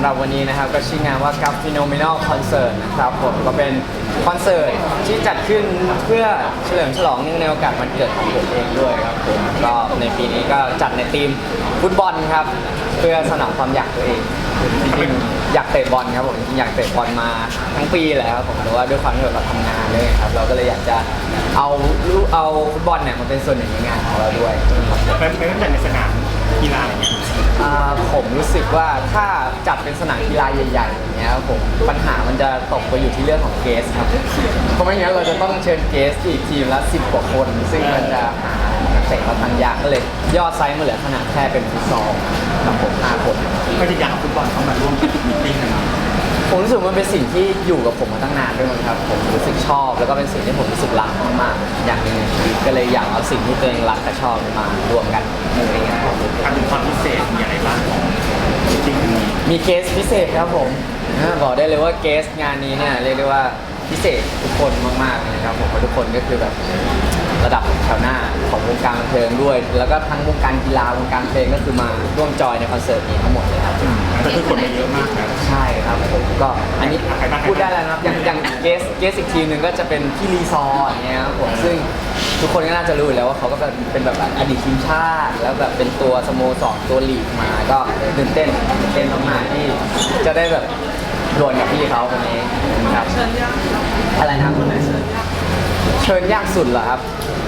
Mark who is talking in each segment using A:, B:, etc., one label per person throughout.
A: หรับวันนี้นะครับก็ชื่องานว่า Cup Phenomenal Concert นะครับผมก็เป็นคอนเสิร์ตที่จัดขึ้นเพื่อเฉลิมฉลองเนื่องในโอกาสวันเกิดของผมเองด้วยครับผมก็ในปีนี้ก็จัดในทีมฟุตบอลครับเพื่อสนองความอยากตัวเองจริงๆอยากเตะบอลครับผมจริงๆอยากเตะบอลมาทั้งปีแหละครับผมแต่ว่าด้วยความที่เราทำงานเลยครับเราก็เลยอยากจะเอาฟุตบอลเนี่ยมาเป็นส่วนหนึ่งในงานของเราด้วย
B: ไม่ต้องจัดในสนามกีฬาอะไรเงี้ย
A: ผมรู้สึกว่าถ้าจัดเป็นสนามกีฬาใหญ่ๆอย่างเงี้ยครับผมปัญหามันจะตกไปอยู่ที่เรื่องของเกสครับเพราะไม่งั้นเราจะต้องเชิญเกสอีกทีมละ10 กว่าคน ซึ่งมันจะหานักเตะเราทางยากก็เลยยอดไซส์มันเหลือขนาดแค่เป็นฟุตซอลกับผม5 คน
B: ก็จะอยากเอาฟุตบอลเข้ามาร่วมมีติ้งกัน
A: ผมรู้สึกมันเป็นสิ่งที่อยู่กับผมมาตั้งนานด้วยมั้งครับผมรู้สึกชอบแล้วก็เป็นสิ่งที่ผมรู้สึกรักมากๆอย่างหนึงในชีวิตก็เลยอยากเอาสิ่งที่ตัวเองรักและชอบมารวมกันในงานของผม
B: ทำถึงความพิเศษมีอะไรบ้างของมีติ้งนี้
A: มีเกสพิเศษครับผมบอกได้เลยว่าเกสงานนี้เนี่ยเรียกได้ว่าพิเศษทุกคนมากๆเลยนะครับผมเพราะทุกคนก็คือแบบระดับแถวหน้าของวงการบันเทิงด้วย แล้วก็ทั้งวงการกีฬาวงการเพลงก็คือมาร่วมจอยในคอนเสิร์ตนี้ทั้งหมดเลยครับ
B: แต่คือคนมาเยอะมากนะ
A: ใช่ครับผมก็อันนี้พูดได้แล้วนะครับอย่างเกสอีกทีมหนึ่งก็จะเป็นพี่รีซอร์อย่างเงี้ยครับผมซึ่งทุกคนก็น่าจะรู้อยู่แล้วว่าเขาก็เป็นแบบอดีตทีมชาติแล้วแบบเป็นตัวสโมสรตัวลีกมาก็ตื่นเต้นมากๆที่จะได้แบบดวลกับพี่เขาคนนี้ครับอะไรนะครับคนไหนเชิญยากสุดเหรอครับ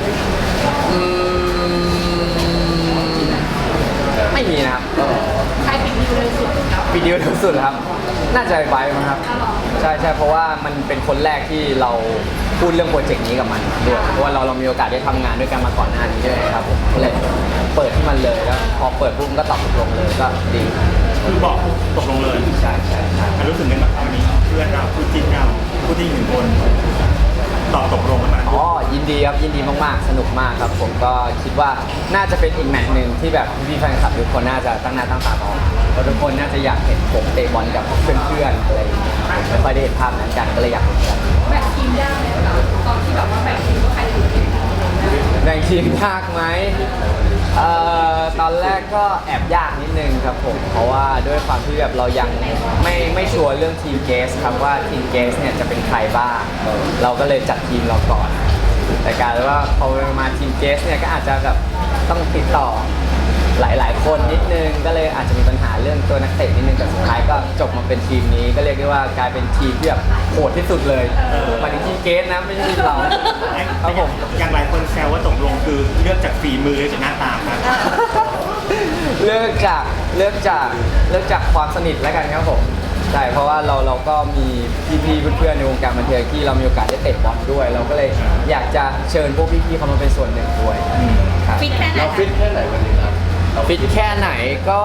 A: ไม่มีนะครับ
C: ใครปิดดิวเร็วสุดครับ
A: วิดีโอเร็วสุดครับน่าจะไบมั้งครับใช่เพราะว่ามันเป็นคนแรกที่เราพูดเรื่องโปรเจกต์นี้กับมันด้วยเพราะว่าเรามีโอกาสได้ทำงานด้วยกันมาก่อนหน้านี้ด้วยครับผมก็เลยเปิดที่มันเลยแล้วพอเปิดปุ๊บก็ตอบตกลงเลยก็ดี
B: คือบอกตกลงเลย
A: ใช่
B: รู้สึกยังไงบ้างวันนี้เพื่อนเราคู่จิ้นเราคู่ที่1 คนตอบตกลงกันมา
A: อ๋อยินดีครับยินดีมากๆสนุกมากครับผมก็คิดว่าน่าจะเป็นอีกแมตช์หนึ่งที่แบบพี่ๆแฟนคลับทุกคนน่าจะตั้งหน้าตั้งตารอเพราะทุกคนน่าจะอยากเห็นผมเตะบอลกับเพื่อนๆอะไรอย่างเงี้ยไม่ค่อยได้เห็นภาพนั้นกันก็เลยอยากเห็นกัน
C: แบ่งทีมยากไหมคะตอนที่แบบว่าแบ่งทีมว่าใครจะอยู่ทีมไหน
A: แบ่งทีมยากไหมตอนแรกก็แอบยากนิดนึงครับผมเพราะว่าด้วยความที่แบบเรายังไม่ชัวร์เรื่องทีมเกสครับว่าทีมเกสเนี่ยจะเป็นใครบ้างเราก็เลยจัดทีมเราก่อนแต่กลายเป็นว่าพอมาทีมเกสเนี่ยก็อาจจะแบบต้องติดต่อหลายคนนิดนึงก็เลยอาจจะมีปัญหาเรื่องตัวนักเตะนิดนึงแต่สุดท้ายก็จบมาเป็นทีมนี้ก็เรียกได้ว่ากลายเป็นทีมที่แบบโหดที่สุดเลยมาถึงทีมเกสนะไม่ใช่ทีมเราครับผม
B: อย่างหลายคนแซวว่าตกลงคือเลือกจากฝีมือหรือจากหน้าตาครับ
A: เลือกจากความสนิทแล้วกันครับผมใช่เพราะว่าเราก็มีพี่ๆเพื่อนๆในวงการบันเทิงที่เรามีโอกาสได้เตะบอลด้วย เราก็เลยอยากจะเชิญพวกพี่ๆเขามาเป็นส่วนหนึ่งด้วยครับ
C: ฟิตแค่ไหน
D: เราฟิตแค่ไหนวันนี้ครับ
A: ฟิตแค่ไหนก็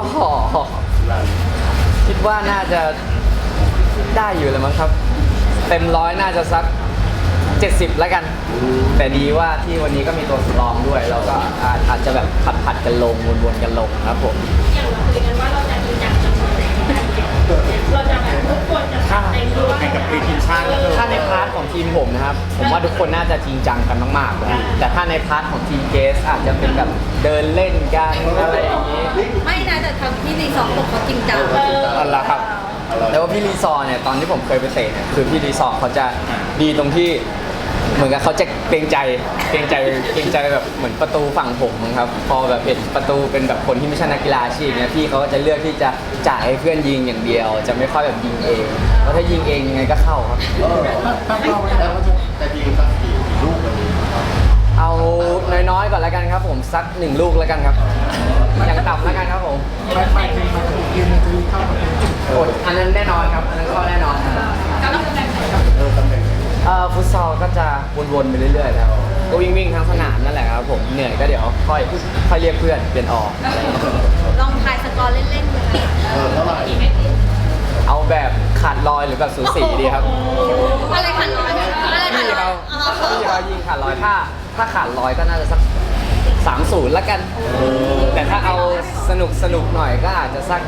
A: คิดว่าน่าจะได้อยู่เลยมั้งครับ เต็มร้อยน่าจะสัก 70 แล้วกัน แต่ดีว่าที่วันนี้ก็มีตัวสำรองด้วยเราก็อาจจะแบบผัดกันลงวนๆกันลงครับผม
C: อย่างเราคุยกันว่าเราจะมีอย่างจะเราจะแบบทุกคนจะทำในตัว
B: แข่งกับทีมชาติแล้วก็
A: ถ้าในพาร์ทของทีมผมนะครับ ผมว่าทุกคนน่าจะจริงจังกันมากๆเลยแต่ถ้าในพาร์ทของทีมเกสอาจจะเป็นแบบเดินเล่นกันอะไรอย่างนี้
C: ไม่นะแต่ทำที่รีสอร์ทผมเขาจริงจัง
A: อันละครับแต่ว่าพี่รีซอร์เนี่ยตอนที่ผมเคยไปเตะเนี่ยคือพี่รีซอร์เขาจะดีตรงที่เหมือนกับเขาจะเกรงใจแบบเหมือนประตูฝั่งผมมั้งครับพอแบบเห็นประตูเป็นแบบคนที่ไม่ใช่นักกีฬาอาชีพเนี่ยพี่เขาก็จะเลือกที่จะจ่ายให้เพื่อนยิงอย่างเดียว จะไม่ค่อยแบบยิงเองเพราะถ้ายิงเองยังไงก็เข้าครับ
D: ตั้งเป้าไว้แล้วว่าจะยิงสักกี่ลูกวันนี้ครับ
A: เอาน้อยๆก่อนแล้วกันครับผมสัก1 ลูกแล้วกันครับอย่างต่ำแล้วกันครับผม
D: ไม่จริงมาถึงยืนมันจะเข้ามา
A: โอ้ยอันนั้นแน่นอนครับอันนั้นเข้าแน่นอนครับ
C: แล้วเราจะแบ่งไหน
D: ตำแหน่ง
A: ฟุตซอลก็จะวนๆไปเรื่อยๆครับก็วิ่งทั้งสนามนั่นแหละครับผมเหนื่อยก็เดี๋ยวค่อยเรียกเพื่อนเปลี่ยนออก
C: ลองทายสกอร์เล่นๆเลย
D: เท่าไหร่
A: เอาแบบขาดลอยหรือแบบสูสีดีครับ
C: อะไรขันร้อยอะไรขัน
A: พี่
C: ร้อ
A: เขา
C: ย
A: พี่เขายิงขาดลอยถ้าขาดลอยก็น่าจะสัก3-0แล้วกัน แต่ถ้าเอาสนุกหน่อยก็อาจจะสัก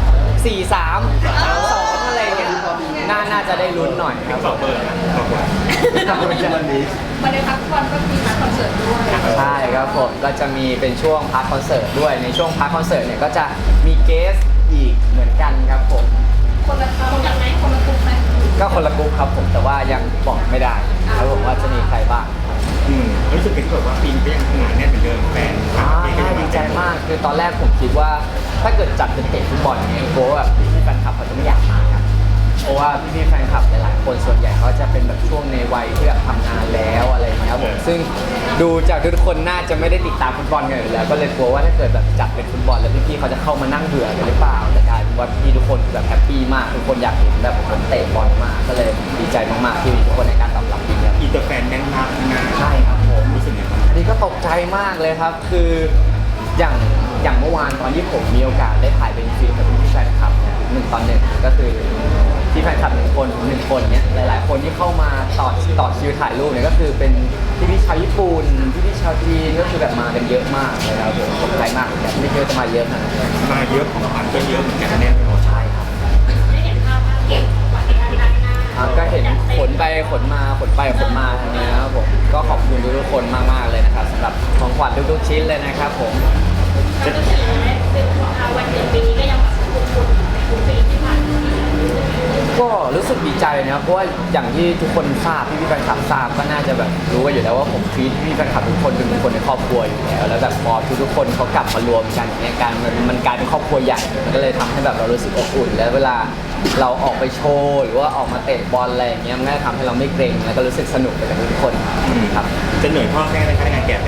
A: 4-3-2อะไรเงี้ยน่าจะได้ลุ้นหน่อยครับ
B: บอกเบอร์นะบอกเบอร์
D: วันนี้
C: วันในพักผ่อนก็มีคอนเสิร์ตด้วย
A: ใช่ครับผมก็จะมีเป็นช่วงพาร์ทคอนเสิร์ตด้วยในช่วงพาร์ทคอนเสิร์ตเนี่ยก็จะมีเกสอีกเหมือนกันครับผม
C: คนละคนละไหมคนละกลุ่มไหม
A: ก็คนละกลุ่มครับผมแต่ว่ายังบอกไม่ได้ครับผมว่าจะมีใครบ้าง
B: รู้สึกเป็นแบบว่าปีนก็ยังทำงานแน่นเหมือนเดิมแฟนคลับเองก็ยัง
A: ดีใจมากคือตอนแรกผมคิดว่าถ้าเกิดจัดเป็นเตะฟุตบอลเนี่ยกลัวว่าแบบพี่แฟนคลับเขาจะไม่อยากมาครับเพราะว่าพี่แฟนคลับหลายๆคนส่วนใหญ่เขาจะเป็นแบบช่วงในวัยที่แบบทำงานแล้วอะไรอย่างเงี้ยครับผมซึ่งดูจากทุกคนน่าจะไม่ได้ติดตามฟุตบอลกันอยู่แล้วก็เลยกลัวว่าถ้าเกิดแบบจัดเป็นฟุตบอลแล้วพี่ๆเขาจะเข้ามานั่งเบื่อกันหรือเปล่าแต่กลายเป็นว่าพี่ทุกคนแบบแฮปปี้มากทุกคนอยากเห็นแบบผมเตะบอลมากก็เลยดีใจมากๆที่มีทุกคนในการตอบรับดีครับ
B: อินเตอร์แฟนแน่นมากนะ
A: ใช่ครับผม
B: รู้สึกไงบ้าง
A: อันนี้ก็ตกใจมากเลยครับ คืออย่างเมื่อวานตอนที่ผมมีโอกาสได้ถ่ายเป็นฟีดกับพี่แฟนคลับเนี่ย1-1ก็คือที่แฟนคลับ1 คนเนี่ยหลายๆ คนที่เข้ามาต่อคิวถ่ายรูปเนี่ยก็คือเป็นพี่ชาวญี่ปุ่นพี่ชาวจีนก็คือแบบมากันเยอะมากเลยครับผมตกใจมากแบบไม่คิดว่าจะมาเยอะขนาดนี้
B: มาเยอะของขวัญก็เยอะเหมือนกันแน่นอน
A: ใช่ครับ
C: ได้เห็นภาพว่าเก็บกว่าที่ด้านหน้า
A: ก็เห็นขนไปขนมาขนไปขนมาทางนี้นะครับผมก็ขอบคุณทุกๆคนมากๆเลยนะครับสำหรับของขวัญทุกๆชิ้นเลยนะครับผม
C: แล้วก็ถือว่าเป็นวันเดือนปีนี้ก็ยังแบบคุ้นๆทุกปีที่ผ่านมา
A: ก็รู้สึกดีใจนะครับเพราะว่าอย่างที่ทุกคนทราบพี่แฟนคลับทราบก็น่าจะแบบรู้กันอยู่แล้วว่าผมฟีดพี่แฟนคลับทุกคนเป็นคนในครอบครัวอยู่แล้วแล้วแบบพอทุกคนเขากลับมารวมกันเนี่ยการมันกลายเป็นครอบครัวใหญ่มันก็เลยทำให้แบบเรารู้สึกอบอุ่นแล้วเวลาเราออกไปโชว์หรือว่าออกมาเตะบอลอะไรอย่างเงี้ยมันก็ทำให้เราไม่เกรงแล้วก็รู้สึกสนุกไปกับทุกคนครับ
B: จะเหนื่อยพ่อแม่ในการแกะแบบ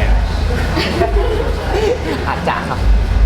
A: อาจจะครับ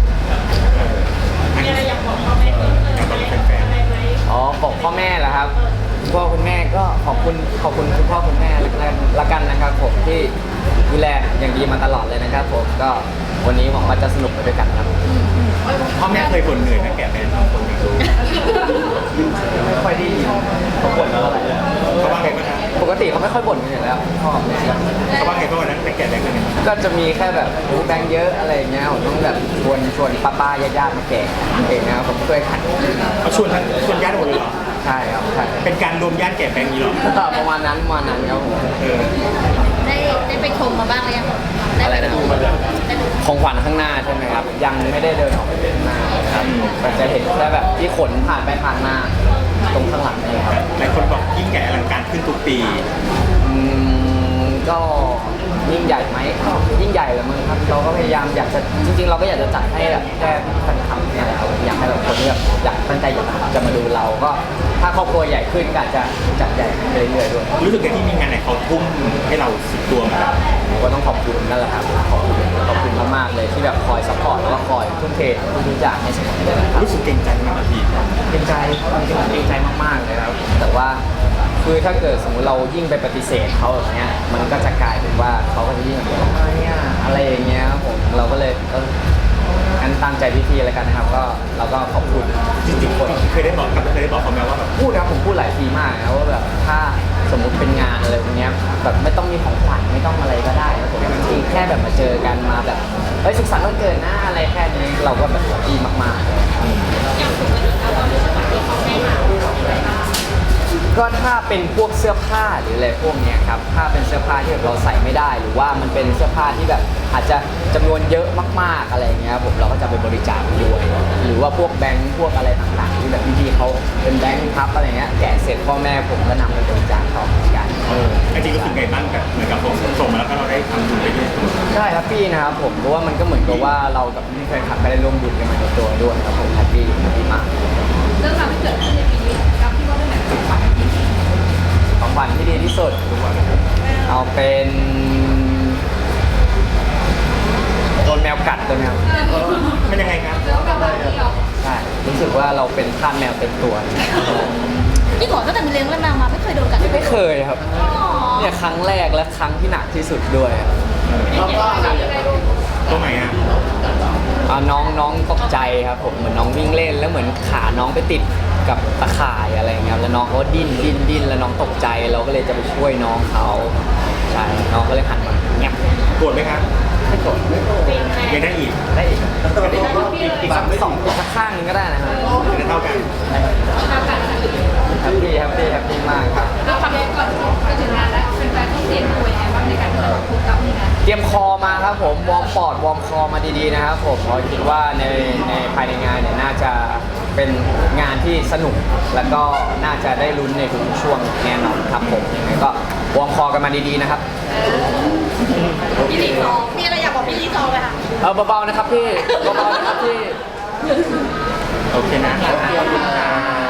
C: มีอะไรอยากบอกพ่อแม่เพิ่มเติมอะไรไหม
A: อ๋อบอกพ่อแม่เหรอครับคุณพ่อคุณแม่ก็ขอบคุณคุณพ่อคุณแม่ละกันนะครับผมที่ดูแลอย่างดีมาตลอดเลยนะครับผมก็วันนี้หวังว่าจะสนุกไปด้วยกันครับ
B: พ่อแม่เคยบ่นเหนื่อยนะแกะแบบบางคนไม่รู้
A: ไม่ค่อยได้ยินเขาบ่นเท่าไหร่
B: เขาว่าไงบ้างครับ
A: ปกติเขาไม่ค่อยบ่นกันอยู่แล้วพ่อแม่ก็
B: เขาว่าไงบ้างวันนั้นไปแกะแบบกันเนี่ย
A: ก็จะมีแค่แบบแบงค์เยอะอะไรอย่างเงี้ยผมต้องแบบชวนป้าญาติๆมาแกะเองนะครับผมช่วยขัน
B: เขาชวนญาติหมดเลยเหรอ
A: ใช่ครับใช่
B: เป็นการรวมญาติแกะแบงค์นี้เหรอ
A: ประมาณนั้นครับผม
B: เออ
C: ได้ไปชมมาบ้างหรือยัง
A: อะไรนะ
C: ได้ดู
A: ของขวัญข้างหน้าใช่ไหมครับ ยังไม่ได้เดินออกไปข้างหน้าครับก็จะเห็นแค่แบบที่ขนผ่านไปผ่านมาตรงข้างหลังนี่ครับ
B: หลายคนบอกยิ่งใหญ่อลังการขึ้นทุกปี
A: ก็ยิ่งใหญ่ไหมก็ยิ่งใหญ่แหละมั้งครับเราก็พยายามอยากจะจริงๆ เราก็อยากจะจัดให้แบบแค่แฟนคลับเนี่ยแหละครับอยากให้แบบคนที่แบบอยากตั้งใจอยากจะมาดูเราก็ถ้าครอบครัวใหญ่ขึ้นก็อาจจะจัดใหญ่ขึ้นเรื่อยๆด้วย
B: รู้สึกไงที่มีงานไหนเขาทุ่มให้เราสุดตัวมาแล้ว
A: ผมก็ต้องขอบคุณนั่นแหละครับขอบคุณมากๆเลยที่แบบคอยซัพพอร์ตแล้วก็คอยทุ่มเททุกอย่างให้เสมอเลยนะครับ
B: รู้สึกเกรงใจมากพี่
A: เกรงใจจริงๆเกรงใจมากๆเลยครับแต่ว่าคือถ้าเกิดสมมติเรายิ่งไปปฏิเสธเขาแบบเนี้ยมันก็จะกลายเป็นว่าเขาก็จะยิ่งแบบอะไรอย่างเงี้ยครับผมเราก็เลยงั้นตามใจพี่ๆแล้วกันนะครับก็เราก็ขอบคุณ
B: จริงๆคนเคยได้บอกเขาไหมว่าแบบ
A: พูดนะผมพูดหลายทีมากนะว่าแบบถ้าสมมุติเป็นงานอะไรพวกเนี้ยแบบไม่ต้องมีของขวัญไม่ต้องอะไรก็ได้ครับผมจริงๆแค่แบบมาเจอกันมาแบบเฮ้ยสุขสันต์วันเกิดนะอะไรแค่นี้เราก็แบบดีมากๆ
C: อย่างปกติแล้วเรารู้สึกว่าที่เขาให้มาอะไรบ้าง
A: ก็ถ้าเป็นพวกเสื้อผ้าหรืออะไรพวกเนี้ยครับถ้าเป็นเสื้อผ้าที่แบบเราใส่ไม่ได้ หรือว่ามันเป็นเสื้อผ้าที่แบบอาจจะจำนวนเยอะมากๆอะไรเงี้ยผมเราก็จะไปบริจาคด้วยหรือว่าพวกแบงค์พวกอะไรต่างๆที่แบบพี่ๆเขาเป็นแบงค์พับอะไรเงี้ยแกะเสร็จพ่อแม่ผมก็นำไปบริจาคต่อเหมือนกัน
B: จริงๆรู้สึกไงบ้างกับเหมือนกับส่งมาแล้วก็เราได้ทำบุญไปด้วย
A: ใช่ครับพี่นะครับผมเพราะว่ามันก็เหมือนกับว่าเรากับพี่แฟนคลับก็ได้ร่วมบุญกันมาในตัวด้วยครับผมแฮปปี้มาก
C: เรื่องราวที่เกิดขึ้นในปีนี้กับที่ว่าเป็นแบบของขวัญที่ดี
A: ของขวัญที่ดีที่สุดเอาเป็นโดนแมวกัดตัวแมว
B: มันยังไงครับ
C: แล้วก็แบบที่เรา
A: ใช่รู้สึกว่าเราเป็นทาสแมวเต็มตัว
C: ที่ก่อนตั้งแต่มีเลี้ยงแมวมาไม่เคยโดนกัด
A: ไม่เคยครับเนี่ยครั้งแรกและครั้งที่หนักที่สุดด้วย
B: ตัวไหนอ่ะ
A: น้องตกใจครับผมเหมือนน้องวิ่งเล่นแล้วเหมือนขาน้องไปติดกับตะข่ายอะไรอย่างเงี้ยแล้วน้องเขาก็ดิ้นแล้วน้องตกใจเราก็เลยจะไปช่วยน้องเขาใช่น้องก็เลยหันมาเงียบ
B: โกรธไหมครับ
A: ไม่โกรธ
B: ยังได้อีก
A: ได้อีกอีกสักข้างหนึงก็ได้นะครับ
B: จะเท่ากัน
A: แฮปปี้มากครับ
C: เราทำได้ก่อนจะถึงงานแล้วเป็นแฟนต้องเตรียมตัวยังไงบ้างในการที่จะพูดกับงาน
A: เตรียมคอมาครับผมวอร์มปอดวอร์มคอมาดีๆนะครับผมเพราะคิดว่าในภายในงานเนี่ยน่าจะไปเป็นงานที่สนุกแล้วก็น่าจะได้ลุ้นในทุกๆช่วงแน่นอนครับผมยังไงก็วอร์มคอกันมาดีๆนะครับ
C: พี่ลีซอมีอะไรอยากบอกพี่ลีซอไหมคะ
A: เบาๆนะครับพี่เบาๆนะครับพี่
B: โอเคนะ
D: โอเค